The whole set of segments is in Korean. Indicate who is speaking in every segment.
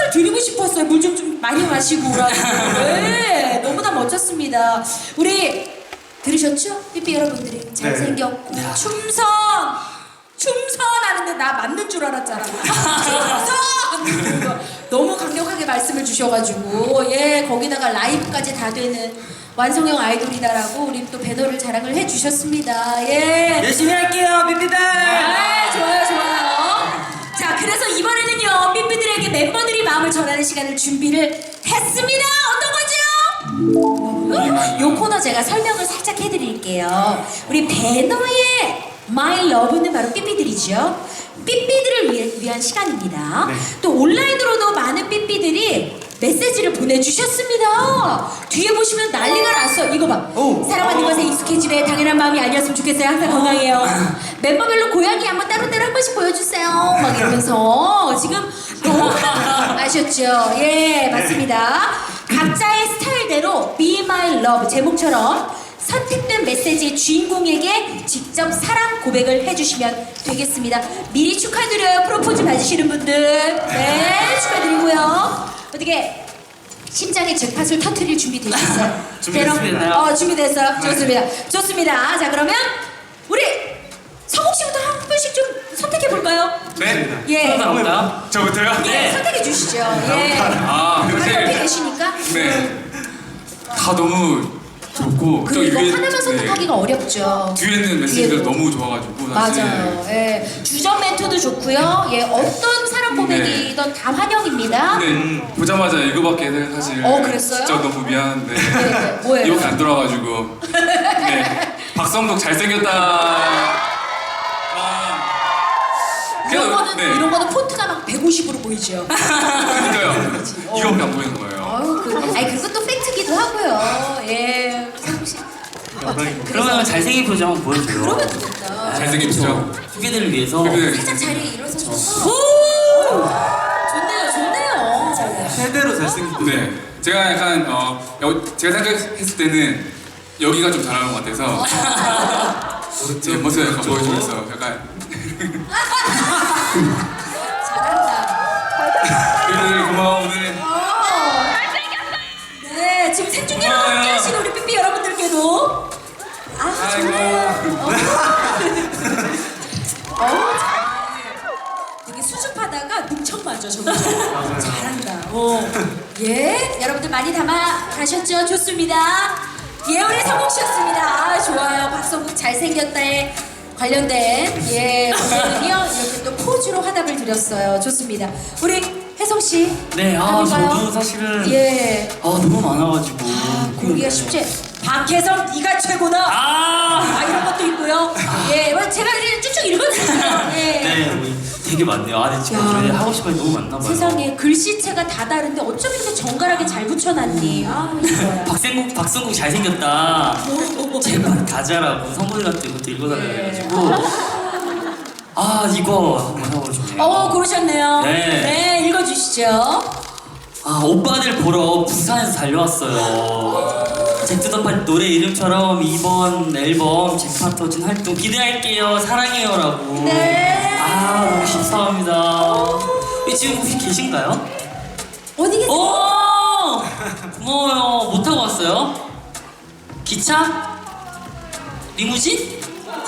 Speaker 1: 선물 드리고 싶었어요. 물 좀 많이 마시고 오라고. 네, 너무나 멋졌습니다. 우리 들으셨죠? 삐삐 여러분들이 잘생겼고 춤선 하는데 나 맞는 줄 알았잖아. 춤선! 너무 강력하게 말씀을 주셔가지고 예 거기다가 라이브까지 다 되는 완성형 아이돌이다라고 우리 또 배너를 자랑을 해주셨습니다. 예.
Speaker 2: 열심히 할게요, 삐삐들.
Speaker 1: 아, 좋아요. 자, 그래서 이번에는요 삐삐들에게 멤버들이 마음을 전하는 시간을 준비를 했습니다. 어떤 거죠? 요 코너 제가 설명을 살짝 해드릴게요. 우리 배너의 My Love는 바로 삐삐들이죠. 삐삐들을 위한 시간입니다.
Speaker 2: 네.
Speaker 1: 또 온라인으로도 많은 삐삐들이 메시지를 보내주셨습니다. 뒤에 보시면 난리가 났어. 이거 봐. 사랑받는 것에 익숙해지래. 당연한 마음이 아니었으면 좋겠어요. 항상 건강해요. 멤버별로 고양이 한번 따로따로 한 번씩 보여주세요. 막 이러면서 지금 너무 아셨죠? 예, 맞습니다. 각자의 스타일대로 Be My Love 제목처럼 선택된 메시지의 주인공에게 직접 사랑 고백을 해주시면 되겠습니다. 미리 축하드려요. 프로포즈 받으시는 분들. 네, 축하드리고요. 어떻게 심장의 잭팟을 터트릴 준비 되셨어요?
Speaker 2: 준비됐습니다.
Speaker 1: 준비됐어요. 좋습니다. 좋습니다. 자, 그러면 우리 성욱 씨부터 한 분씩 좀 선택해 볼까요?
Speaker 3: 네.
Speaker 1: 예.
Speaker 2: 나올까요?
Speaker 3: 저부터요?
Speaker 1: 예, 선택해 주시죠. 예.
Speaker 3: 아,
Speaker 1: 바로 옆에
Speaker 3: 사실
Speaker 1: 계시니까.
Speaker 3: 네. 다 너무 좋고 또
Speaker 1: 그리고
Speaker 3: 위에
Speaker 1: 하나만 선택하기가 어렵죠.
Speaker 3: 뒤에 있는 메시지들
Speaker 1: 뒤에도.
Speaker 3: 너무 좋아가지고 사실
Speaker 1: 맞아요. 예. 주전 멘트도 좋고요. 예, 어떤 사랑 고백이든 다 환영입니다.
Speaker 3: 근데 보자마자 이거밖에 사실
Speaker 1: 그랬어요?
Speaker 3: 진짜 너무 미안한데
Speaker 1: 네, 뭐예요?
Speaker 3: 이밖에 안 돌아가지고 네. 박성덕 잘생겼다.
Speaker 1: 이런 거는 폰트가 막 150으로 보이죠.
Speaker 3: 그러니까요. 이거밖에 안 보이는 거예요.
Speaker 1: 그리고 또 팩트기도 하고요. 예. 성욱 씨.
Speaker 2: 그러면 잘생긴 표정 한번 보여줘요.
Speaker 1: 그러면 되겠다.
Speaker 3: 잘생긴 표정.
Speaker 2: 후배들을 위해서.
Speaker 3: 네.
Speaker 1: 살짝 자리에 일어서셔서. 오! 좋네요.
Speaker 2: 최대로 잘생긴.
Speaker 3: 네. 제가 약간 제가 생각했을 때는 여기가 좀 잘하는 것 같아서 제 모습을 약간 보여주면서 약간
Speaker 1: 잘한다.
Speaker 3: 네, 고마워 오늘.
Speaker 1: 네, 지금 생중계로
Speaker 3: 고마워요.
Speaker 1: 함께 하신 우리 삐삐 여러분들께도 좋네요. 되게 수줍하다가 능청 맞아 저거. 잘한다. 예, 여러분들 많이 담아 가셨죠? 좋습니다. 예, 우리 성욱 씨였습니다. 좋아요. 박성국 잘생겼다에 관련된 오늘은요 이렇게 또 포즈로 화답을 드렸어요. 좋습니다. 우리 혜성 씨.
Speaker 2: 네, 저도 사실은 너무 많아가지고.
Speaker 1: 고르기가 쉽지. 박혜성 네가 최고다. 이런 것도 있고요. 제가 이제 쭉쭉 읽어드릴게요.
Speaker 2: 네, 되게 많네요. 근데 지금 저희 하고 싶은 게 너무 많나 봐요.
Speaker 1: 세상에 글씨체가 다 다른데 어쩜 이렇게 정갈하게 잘 붙여놨니? 이거야.
Speaker 2: 박성국 잘생겼다. 제발 가자라고 선물이랑 또 이것도 읽어달라고 해가지고. 이거 한번 해보고 싶네요.
Speaker 1: 고르셨네요.
Speaker 2: 네.
Speaker 1: 읽어주시죠.
Speaker 2: 오빠들 보러 부산에서 달려왔어요. 잭투더팔 노래 이름처럼 이번 앨범 잭팟 터진 활동 기대할게요. 사랑해요라고.
Speaker 1: 네.
Speaker 2: 너무 감사합니다. 지금 혹시 계신가요?
Speaker 1: 어디 계세요?
Speaker 2: 고마워요. 못 타고 왔어요? 기차? 리무진?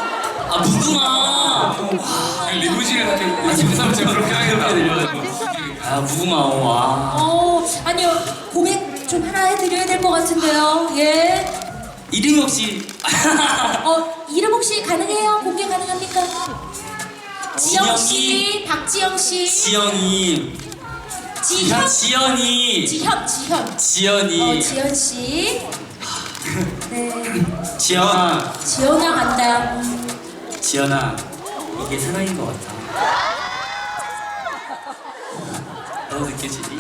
Speaker 2: 무궁화.
Speaker 3: 리무진을 이렇게 지금 사람 제가 그렇게 하겠다.
Speaker 2: 무궁화.
Speaker 1: 아니요. 고백 좀 하나 해드려야 될 것 같은데요. 예.
Speaker 2: 이름이 혹시
Speaker 1: 이름 혹시 가능해요? 공개 가능합니까? 지영 씨, 박지영 씨,
Speaker 2: 지영이.
Speaker 1: 지현,
Speaker 2: 지연이. 지연이.
Speaker 1: 지현 씨. 네.
Speaker 2: 지연아.
Speaker 1: 지연아 간다.
Speaker 2: 지연아, 이게 사랑인 것 같아. 너도 느껴지니?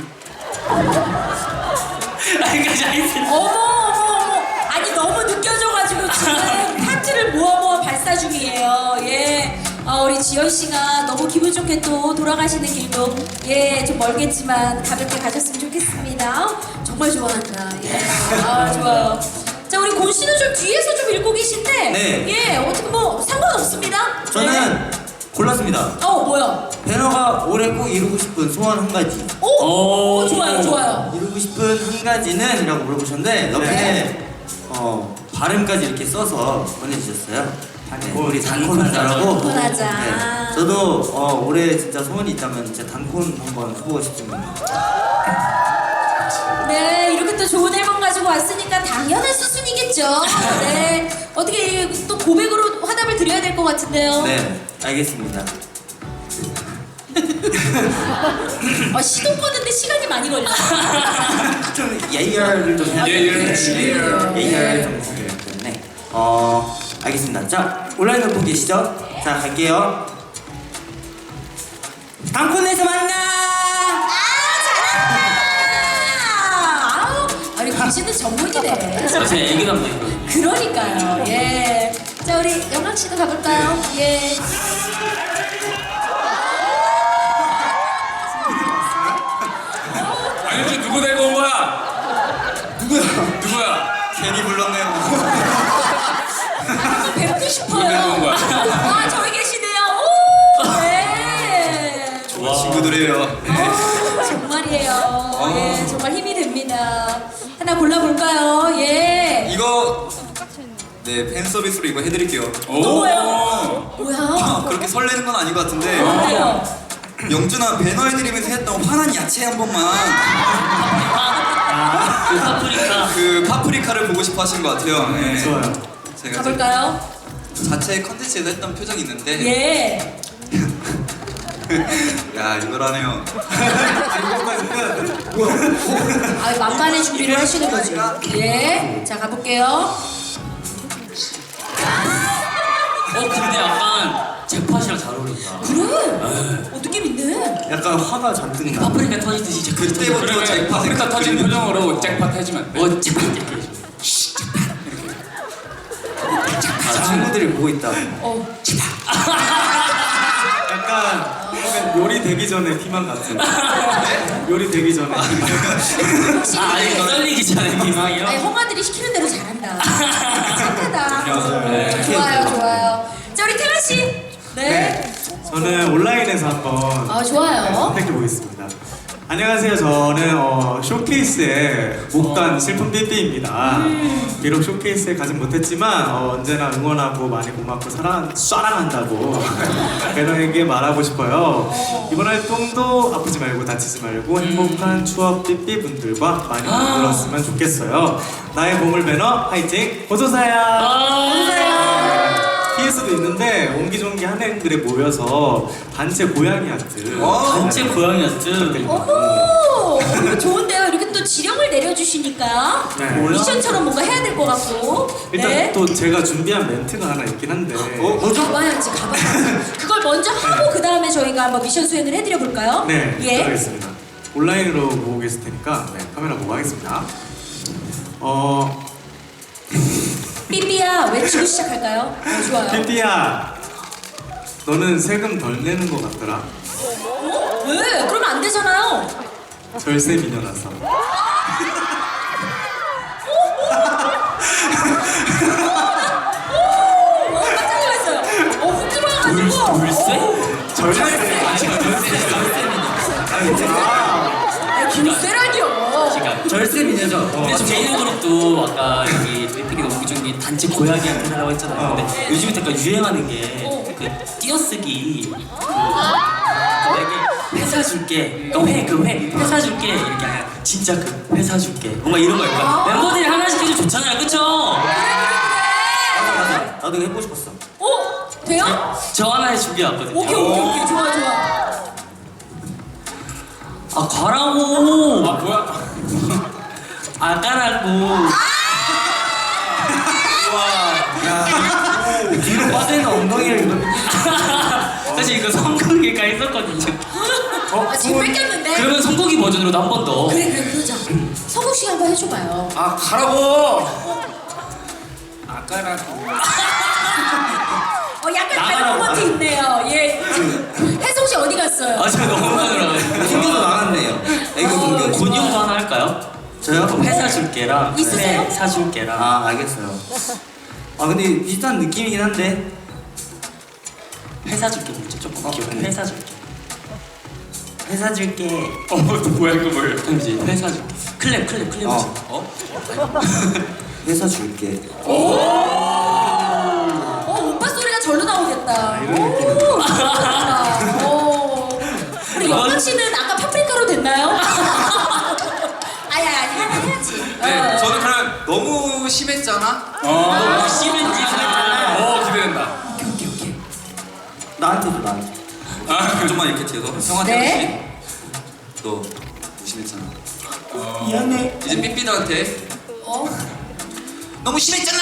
Speaker 2: 아직까지 안 했어.
Speaker 1: 어머. 아니 너무 느껴져가지고 지금 파트를 모아 발사 중이에요. 예. 우리 지연 씨가 너무 기분 좋게 또 돌아가시는 길도 좀 멀겠지만 가볍게 가셨으면 좋겠습니다. 정말 좋아한다. 좋아요. 자, 우리 곤 씨는 좀 뒤에서 좀 읽고 계신데
Speaker 2: 네.
Speaker 1: 어떻게 뭐 상관없습니다.
Speaker 4: 저는 골랐습니다.
Speaker 1: 뭐야?
Speaker 4: 배너가 올해 꼭 이루고 싶은 소원 한 가지.
Speaker 1: 오, 좋아요, 좋아요.
Speaker 4: 이루고 싶은 한 가지는? 이라고 물어보셨는데 옆에
Speaker 1: 네.
Speaker 4: 발음까지 이렇게 써서 보내주셨어요. 네, 우리
Speaker 2: 단콘
Speaker 4: 단콘하자라고.
Speaker 1: 단콘하자.
Speaker 4: 네, 저도 올해 진짜 소원이 있다면 진짜 단콘 한번 해보고 싶습니다.
Speaker 1: 네, 이렇게 또 좋은 앨범 가지고 왔으니까 당연한 수순이겠죠. 네, 어떻게 또 고백으로 화답을 드려야 될 것 같은데요.
Speaker 4: 네, 알겠습니다.
Speaker 1: 시동 끄는데 시간이 많이 걸려.
Speaker 4: 좀 예열을 좀 해야
Speaker 3: 예열.
Speaker 4: 예열 좀 있어야 되기 때문에 알겠습니다. 자, 온라인으로 보고 계시죠? 자, 갈게요. 단콘에서 만나!
Speaker 1: 아니 당신은 전문이네.
Speaker 2: 사실 애기 담당이거든요.
Speaker 1: 그러니까요. 예. 자 우리 영락 씨도 가볼까요? 예.
Speaker 3: 아니 지금 누구 데리고 온 거야? 누구야?
Speaker 4: 괜히 불렀네요.
Speaker 1: 한번 뵙고
Speaker 3: 누구
Speaker 1: 싶어요.
Speaker 3: 데리고 온 거야?
Speaker 1: 아 저기 계시네요. 오. 네.
Speaker 4: 좋아. 친구들이에요.
Speaker 1: 정말이에요. 예, 정말 힘이 됩니다. 하나 골라볼까요? 예.
Speaker 5: 이거 네 팬 서비스로 이거 해드릴게요.
Speaker 1: 뭐예요? 뭐야?
Speaker 5: 그렇게 설레는 건 아닌 것 같은데
Speaker 1: 뭐예요?
Speaker 5: 영준아 배너 해드리면서 했던 화난 야채 한 번만
Speaker 2: 그 파프리카.
Speaker 5: 그 파프리카를 보고 싶어 하신 것 같아요. 네.
Speaker 4: 좋아요.
Speaker 5: 제가
Speaker 1: 가볼까요?
Speaker 5: 자체 컨텐츠에서 했던 표정이 있는데
Speaker 1: 예.
Speaker 5: 야 이걸 하네요.
Speaker 1: 아, 막간의 준비를 하시는 거죠. 예. 자, 가볼게요.
Speaker 2: 근데 약간 잭팟이랑 잘 어울린다.
Speaker 1: 그래? 느낌 있네.
Speaker 4: 약간 화가 잔뜩 나.
Speaker 2: 파프리카 터지듯이 잭팟
Speaker 5: 그때부터
Speaker 3: 그러면
Speaker 5: 잭팟
Speaker 3: 파프리카 터진 표정으로 잭팟 해주면 안 돼?
Speaker 2: 잭팟 이렇게 해줘.
Speaker 4: 친구들이 보고 있다.
Speaker 6: 약간 요리 되기 전에 희망 같은. 요리 되기 전에 희망.
Speaker 1: 혹시
Speaker 2: 아니 떨리기 전에 희망이요?
Speaker 1: 아니, 홍아들이 시키는 대로 잘한다. 착하다. 좋아요, 좋아요. 자, 우리 태아 씨. 네.
Speaker 6: 저는 온라인에서 한번
Speaker 1: 아, 좋아요.
Speaker 6: 선택해 보겠습니다. 안녕하세요. 저는 쇼케이스에 못 간 슬픈 삐삐입니다. 비록 쇼케이스에 가진 못했지만 언제나 응원하고 많이 고맙고 사랑한다고 배너에게 말하고 싶어요. 이번 활동도 아프지 말고 다치지 말고 행복한 추억 삐삐 분들과 많이 놀았으면 좋겠어요. 나의 보물 배너 화이팅! 어서오세요. PS도 있는데 옹기종기 한 앵글에 모여서 단체 고양이 아트.
Speaker 2: 단체 고양이 아트.
Speaker 1: 어머, 이거 좋은데요. 이렇게 또 지령을 내려주시니까
Speaker 6: 네.
Speaker 1: 미션처럼 뭔가 해야 될 것 같고.
Speaker 6: 일단
Speaker 1: 네.
Speaker 6: 또 제가 준비한 멘트가 하나 있긴 한데.
Speaker 1: 가봐야지, 가봐야지. 그걸 먼저 하고 그 다음에 저희가 한번 미션 수행을 해드려 볼까요?
Speaker 6: 네,
Speaker 1: 예.
Speaker 6: 알겠습니다. 온라인으로 보고 계실 테니까 카메라 보고 하겠습니다.
Speaker 1: 삐삐야 외치고 시작할까요? 좋아요.
Speaker 6: 삐삐야, 너는 세금 덜 내는 것 같더라.
Speaker 1: 왜? 그러면 안 되잖아요.
Speaker 6: 절세 미녀라서.
Speaker 1: 깜짝 놀랐어요. 훅 들어와가지고.
Speaker 2: 돌쇠?
Speaker 6: 절세.
Speaker 1: 김세라니요.
Speaker 2: 그러니까
Speaker 4: 절세 미녀죠.
Speaker 2: 근데 저 개인 그룹도 아까 여기 삐삐가 너무 중에 단체 고양이 아트 하라고 했잖아요. 근데 요즘에 약간 유행하는 게 그 띄어쓰기 회사 줄게 회사 줄게 이렇게 아니라 진짜 그 회사 줄게 뭔가 이런 거 약간 멤버들이 하나씩 해도 좋잖아요, 그쵸?
Speaker 4: 맞아. 나도 이거 해보고 싶었어.
Speaker 1: 돼요?
Speaker 2: 저 하나 준비해왔거든요.
Speaker 1: 오케이. 좋아.
Speaker 2: 아 가라고.
Speaker 3: 아 뭐야?
Speaker 2: 아 까라고.
Speaker 4: 뒤로 빠지는 엉덩이를 이거.
Speaker 2: 사실 이거 선곡이가 있었거든요.
Speaker 1: 지금 뺏겼는데.
Speaker 2: 그러면 선곡이 버전으로도 한 번 더.
Speaker 1: 그래 그러자. 성국 씨 한번 해줘봐요.
Speaker 3: 아 가라고! 아까라고.
Speaker 1: 약간 다른
Speaker 2: 나가라고.
Speaker 1: 모먼트 있네요. 예. 혜성 씨 어디 갔어요?
Speaker 2: 아 제가 너무 많으라고.
Speaker 4: 생겨도 나갔네요. 애교 공격.
Speaker 2: 곤용도 하나 할까요?
Speaker 4: 저요?
Speaker 2: 회사 줄게랑
Speaker 1: 있으세요?
Speaker 2: 회 사줄게랑.
Speaker 4: 알겠어요. 근데 비슷한 느낌이긴 한데.
Speaker 2: 회사 줄게 먼저 조금 귀여운 회사 줄게.
Speaker 4: 회사 줄게.
Speaker 3: 또 뭐야 이거 뭐예요?
Speaker 2: 그럼 이제 회사 줄게. 클랩.
Speaker 4: 회사 줄게.
Speaker 1: 오빠 소리가 절로 나오겠다.
Speaker 6: 이런 느낌은
Speaker 1: 오, 잘한다. 우리 영광 씨는 아까 파프리카로 됐나요? 아니 해야지.
Speaker 5: 네, 저는 그럼 너무 심했잖아.
Speaker 2: 너무 심했지.
Speaker 3: 기대된다.
Speaker 4: 나한테 줘 나한테.
Speaker 5: 좀만 이렇게 뒤에서 형한테
Speaker 1: 네.
Speaker 5: 하듯이 너 무심했잖아.
Speaker 4: 미안해.
Speaker 5: 이제 삐삐들한테
Speaker 1: 어?
Speaker 5: 너무 심했잖아.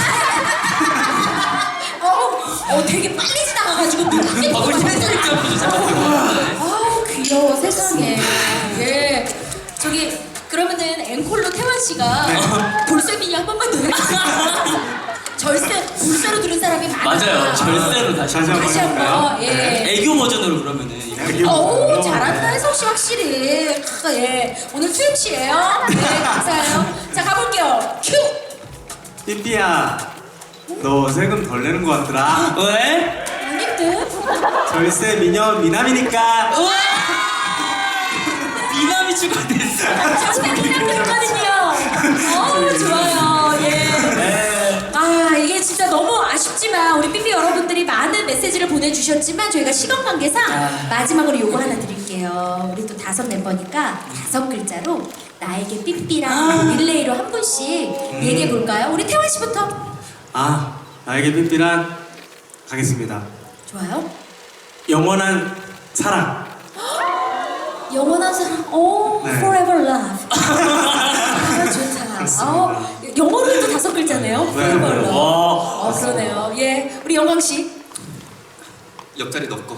Speaker 1: 되게 빨리 지나가가지고 눈이
Speaker 2: 밥을 살짝
Speaker 1: 아우 귀여워 세상에. 예. 저기 그러면은 앵콜로 태환 씨가 볼세미니 한 번만 더 해주세요. 볼세로 들은 사람이 많아.
Speaker 2: 맞아요. 절세로 다시 한번.
Speaker 1: 다시 한번. 예.
Speaker 2: 애교 버전으로 그러면은 이거.
Speaker 1: 오 잘한다 혜성 씨 확실히. 예. 오늘 투입 씨예요. 네 감사해요. 자 가볼게요. 큐.
Speaker 6: 삐삐야, 너 세금 덜 내는 것 같더라.
Speaker 2: 왜?
Speaker 1: 아닌데?
Speaker 6: 절세 미녀 미남이니까.
Speaker 2: 우와! 미남이 추가됐어.
Speaker 1: 저는 했거든요. 좋아요. 예. 아 이게 진짜 너무 아쉽지만 우리 삐삐 여러분들이 많은 메시지를 보내주셨지만 저희가 시간 관계상 마지막으로 요거 하나 드릴게요. 우리 또 5 멤버니까 5 글자로 나에게 삐삐랑 릴레이로 한 분씩 얘기해 볼까요? 우리 태환 씨부터.
Speaker 6: 나에게 삐삐란 가겠습니다.
Speaker 1: 좋아요.
Speaker 6: 영원한 사랑.
Speaker 1: 영원한 사랑.
Speaker 6: 네.
Speaker 1: Forever Love. 좋다. 영어로도 5 글자네요. Forever Love. 그러네요. 예, 우리 영광 씨.
Speaker 5: 옆자리 넣고.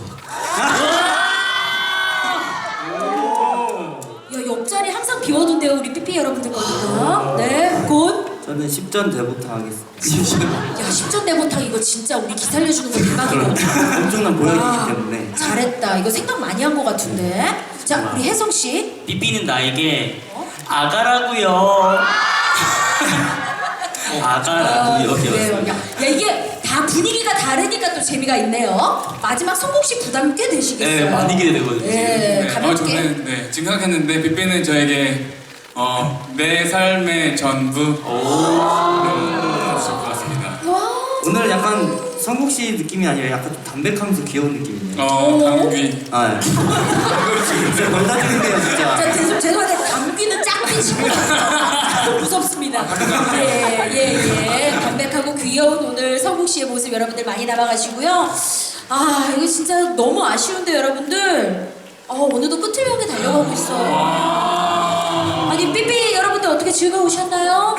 Speaker 1: 야, 옆자리 항상 비워둔대요, 우리 삐삐 여러분들 거든요. 네, 곧.
Speaker 4: 저는 10전 대부터 하겠습니다.
Speaker 1: 야, 10전 대보탕 이거 진짜 우리 기 살려주는 거 대박이다.
Speaker 4: 엄청난 보여주기 때문에.
Speaker 1: 잘했다. 이거 생각 많이 한 거 같은데. 자, 우리 혜성 씨.
Speaker 2: 삐삐는 나에게 아가라고요. 아가라고요.
Speaker 1: 그래요. 야, 이게 다 분위기가 다르니까 또 재미가 있네요. 마지막 성공식 부담 꽤 되시겠어요.
Speaker 2: 네, 많이 기대되거든요.
Speaker 1: 네, 가볍게.
Speaker 3: 저는 지금 생각했는데 삐삐는 저에게 내 삶의 전부. 좋을 것 같습니다.
Speaker 1: 와.
Speaker 4: 오늘 약간 성국 씨 느낌이 아니라 약간 좀 담백하면서 귀여운 느낌이네요.
Speaker 3: 감귀.
Speaker 4: 아, 예. 진짜 걸다 주는데요, 진짜.
Speaker 1: 자, 죄송한데 감기는 짝빛이고 무섭습니다. 예. 담백하고 귀여운 오늘 성국 씨의 모습 여러분들 많이 담아가시고요. 이거 진짜 너무 아쉬운데 여러분들. 오늘도 끝을 향해 달려가고 있어요. 아니 삐삐 여러분들 어떻게 즐거우셨나요?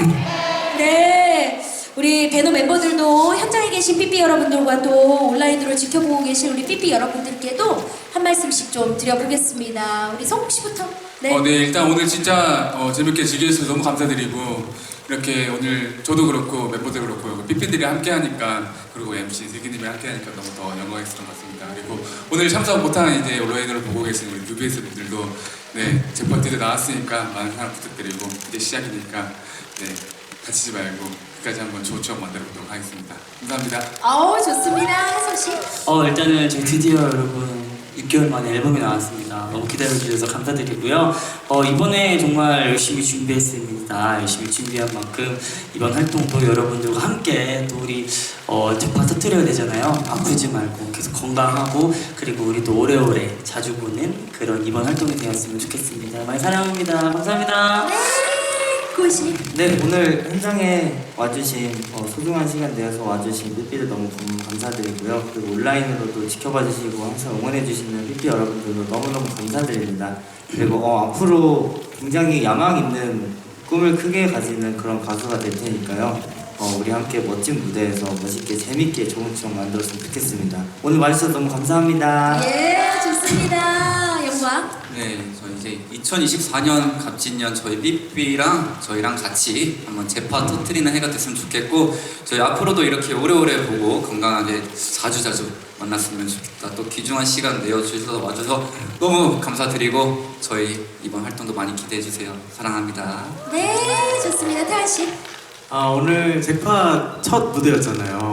Speaker 1: 네. 우리 배너 멤버들도 현장에 계신 삐삐 여러분들과 또 온라인으로 지켜보고 계신 우리 삐삐 여러분들께도 한 말씀씩 좀 드려보겠습니다. 우리 성국 씨부터. 네.
Speaker 3: 네, 일단 오늘 진짜 재밌게 즐겨주셔서 너무 감사드리고 이렇게 오늘 저도 그렇고 멤버들 그렇고 삐삐들이 함께하니까 그리고 MC 슬기님이 함께하니까 너무 더 영광이었던 것 같습니다. 그리고 오늘 참석 못한 이제 온라인으로 보고 계신 우리 뉴비에스 분들도 네, 제 파티도 나왔으니까 많은 사랑 부탁드리고 이제 시작이니까 네, 다치지 말고 끝까지 한번 좋은 추억 만들어 보도록 하겠습니다. 감사합니다.
Speaker 1: 좋습니다. 혜성 씨.
Speaker 2: 일단은 저희 드디어 여러분 6개월 만에 앨범이 나왔습니다. 너무 기다려주셔서 감사드리고요. 이번에 정말 열심히 준비했습니다. 열심히 준비한 만큼 이번 활동도 여러분들과 함께 또 우리 재파 터뜨려야 되잖아요. 아프지 말고 계속 건강하고 그리고 우리도 오래오래 자주 보는 그런 이번 활동이 되었으면 좋겠습니다. 많이 사랑합니다. 감사합니다.
Speaker 1: 고시.
Speaker 4: 네, 오늘 현장에 와주신 소중한 시간 내어서 와주신 삐삐들 너무 감사드리고요. 그리고 온라인으로도 지켜봐 주시고 항상 응원해 주시는 삐삐 여러분들도 너무너무 감사드립니다. 그리고 앞으로 굉장히 야망 있는 꿈을 크게 가지는 그런 가수가 될 테니까요. 우리 함께 멋진 무대에서 멋있게 재밌게 좋은 추억 만들었으면 좋겠습니다. 오늘 와주셔서 너무 감사합니다.
Speaker 1: 예, 좋습니다. 영광.
Speaker 5: 네, 저 이제 2024년 갑진년 저희 삐삐랑 저희랑 같이 한번 재파 터트리는 해가 됐으면 좋겠고 저희 앞으로도 이렇게 오래오래 보고 건강하게 자주자주 만났으면 좋겠다. 또 귀중한 시간 내어주셔서 와줘서 너무 감사드리고 저희 이번 활동도 많이 기대해주세요. 사랑합니다.
Speaker 1: 네, 좋습니다. 태환 씨.
Speaker 6: 오늘 제파 첫 무대였잖아요.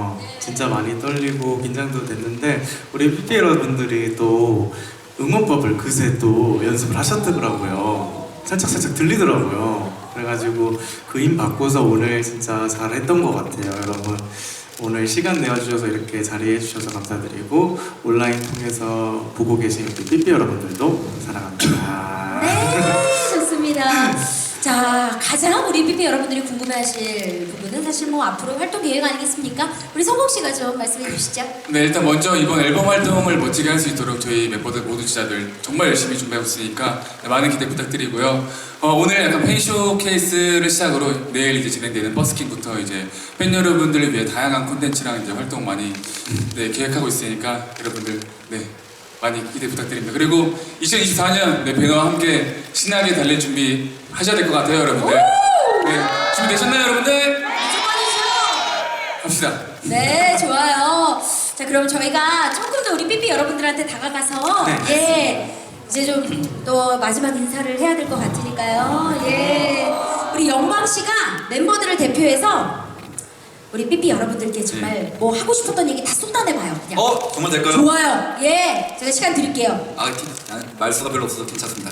Speaker 6: 진짜 많이 떨리고 긴장도 됐는데 우리 삐삐 여러분들이 또 응원법을 그새 또 연습을 하셨더라고요. 살짝 들리더라고요. 그래가지고 그 힘 받고서 오늘 진짜 잘했던 것 같아요. 여러분 오늘 시간 내어주셔서 이렇게 자리해 주셔서 감사드리고 온라인 통해서 보고 계신 우리 삐삐 여러분들도 사랑합니다.
Speaker 1: 네, 좋습니다. 자, 가장 우리 삐삐 여러분들이 궁금해하실 부분은 사실 뭐 앞으로 활동 계획 아니겠습니까? 우리 성국 씨가 좀 말씀해 주시죠.
Speaker 3: 네, 일단 먼저 이번 앨범 활동을 멋지게 할 수 있도록 저희 멤버들 모두 진짜들 정말 열심히 준비하고 있으니까 많은 기대 부탁드리고요. 오늘 약간 팬 쇼케이스를 시작으로 내일 이제 진행되는 버스킹부터 이제 팬 여러분들을 위해 다양한 콘텐츠랑 이제 활동 많이 계획하고 있으니까 여러분들 많이 기대 부탁드립니다. 그리고 2024년 배너와 함께 신나게 달릴 준비 하셔야 될 것 같아요, 여러분들. 네, 준비되셨나요, 여러분들? 갑시다.
Speaker 1: 네, 좋아요. 자, 그럼 저희가 조금 더 우리 삐삐 여러분들한테 다가가서 이제 좀 또 마지막 인사를 해야 될 것 같으니까요. 우리 영광 씨가 멤버들을 대표해서 우리 삐삐 여러분들께 정말 뭐 하고 싶었던 얘기 다 쏟아내봐요. 그냥.
Speaker 5: 정말 될까요?
Speaker 1: 좋아요. 제가 시간 드릴게요.
Speaker 5: 말수가 별로 없어서 괜찮습니다.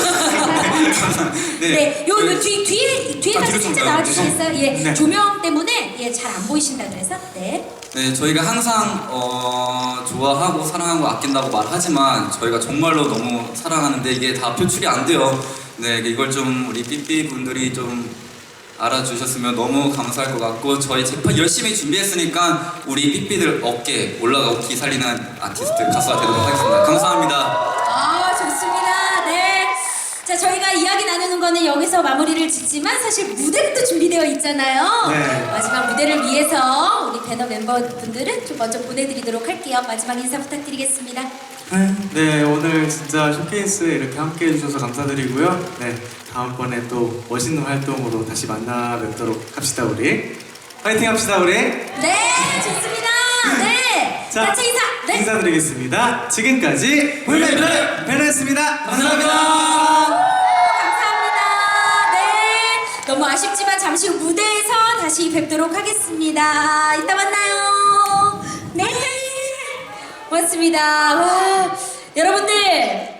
Speaker 1: 요 뒤에까지
Speaker 5: 뒤로 좀
Speaker 1: 살짝
Speaker 5: 가요.
Speaker 1: 나와주시겠어요?
Speaker 6: 네.
Speaker 1: 조명 때문에 잘 안 보이신다 그래서
Speaker 5: 네, 저희가 항상 좋아하고 사랑하고 아낀다고 말하지만 저희가 정말로 너무 사랑하는데 이게 다 표출이 안 돼요. 네, 이걸 좀 우리 삐삐 분들이 좀 알아주셨으면 너무 감사할 것 같고 저희 재판 열심히 준비했으니까 우리 삐삐들 어깨 올라가고 기 살리는 아티스트 가수가 되도록 하겠습니다. 감사합니다.
Speaker 1: 좋습니다. 네. 자, 저희가 이야기 나누는 거는 여기서 마무리를 짓지만 사실 무대는 또 준비되어 있잖아요.
Speaker 6: 네.
Speaker 1: 마지막 무대를 위해서 우리 배너 멤버분들은 좀 먼저 보내드리도록 할게요. 마지막 인사 부탁드리겠습니다.
Speaker 6: 네, 오늘 진짜 쇼케이스에 이렇게 함께 해주셔서 감사드리고요. 네, 다음번에 또 멋있는 활동으로 다시 만나 뵙도록 합시다, 우리. 파이팅 합시다, 우리.
Speaker 1: 네, 좋습니다. 네.
Speaker 6: 자,
Speaker 1: 단체 인사. 네.
Speaker 6: 인사드리겠습니다. 지금까지 볼맨 배너였습니다. 감사합니다.
Speaker 1: 감사합니다. 네. 너무 아쉽지만 잠시 후 무대에서 다시 뵙도록 하겠습니다. 이따 만나요. 네. 고맙습니다. 와, 여러분들